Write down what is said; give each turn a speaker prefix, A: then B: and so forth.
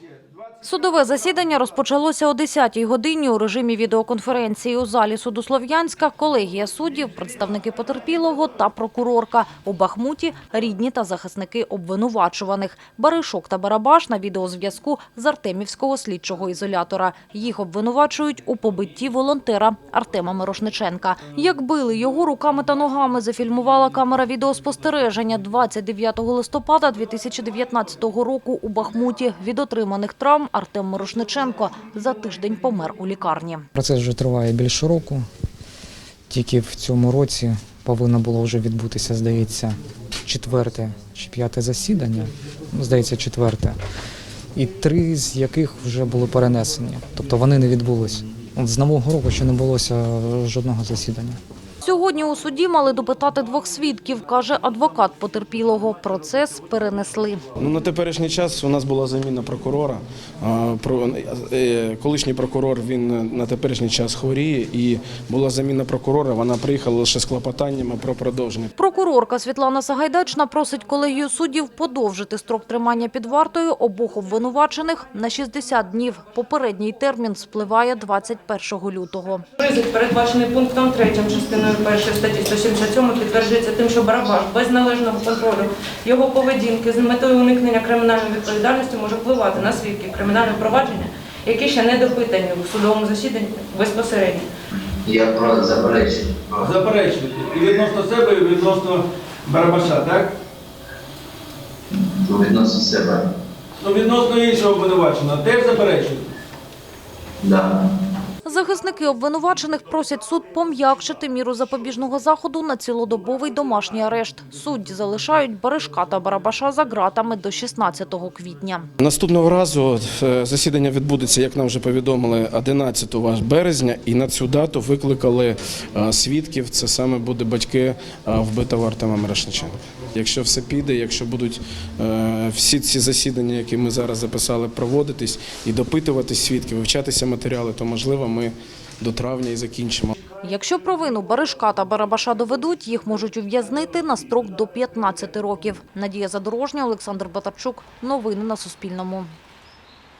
A: Судове засідання розпочалося о 10-й годині у режимі відеоконференції. У залі суду Слов'янська колегія суддів, представники потерпілого та прокурорка. У Бахмуті – рідні та захисники обвинувачуваних. Баришок та Барабаш на відеозв'язку з Артемівського слідчого ізолятора. Їх обвинувачують у побитті волонтера Артема Мирошниченка. Як били його руками та ногами, зафільмувала камера відеоспостереження 29 листопада 2019 року у Бахмуті. Від отриманих травм Артем Мирошниченко за тиждень помер у лікарні.
B: Процес вже триває більше року. Тільки в цьому році повинно було вже відбутися, здається, 4-те чи 5-те засідання. Здається, 4-те. І 3 з яких вже були перенесені. Тобто вони не відбулись. З нового року ще не було жодного засідання.
A: Сьогодні у суді мали допитати 2 свідків, каже адвокат потерпілого. Процес перенесли.
C: На теперішній час у нас була заміна прокурора. Колишній прокурор, він на теперішній час хворіє, і була заміна прокурора, вона приїхала лише з клопотаннями про продовження.
A: Прокурорка Світлана Сагайдачна просить колегію суддів подовжити строк тримання під вартою обох обвинувачених на 60 днів. Попередній термін спливає 21 лютого.
D: Ризик, передбачений пунктом 3 частиною 1 статті 177, підтверджується тим, що Барабаш без належного контролю його поведінки з метою уникнення кримінальної відповідальності може впливати на свідків кримінального провадження, які ще не допитані у судовому засіданні безпосередньо.
E: Я заперечую.
F: Заперечуєте. І відносно себе, і відносно Барабаша, так?
E: Відносно себе.
F: Відносно іншого обвинуваченого теж заперечуєте?
E: Да.
A: Захисники обвинувачених просять суд пом'якшити міру запобіжного заходу на цілодобовий домашній арешт. Судді залишають Баришка та Барабаша за ґратами до 16 квітня.
C: Наступного разу засідання відбудеться, як нам вже повідомили, 11 березня. І на цю дату викликали свідків. Це саме будуть батьки вбитого Артема Мирошниченка. Якщо все піде, якщо будуть всі ці засідання, які ми зараз записали, проводитись і допитуватись свідків, вивчатися матеріали, то, можливо, ми до травня і закінчимо.
A: Якщо провину Баришка та Барабаша доведуть, їх можуть ув'язнити на строк до 15 років. Надія Задорожня, Олександр Батарчук. Новини на Суспільному.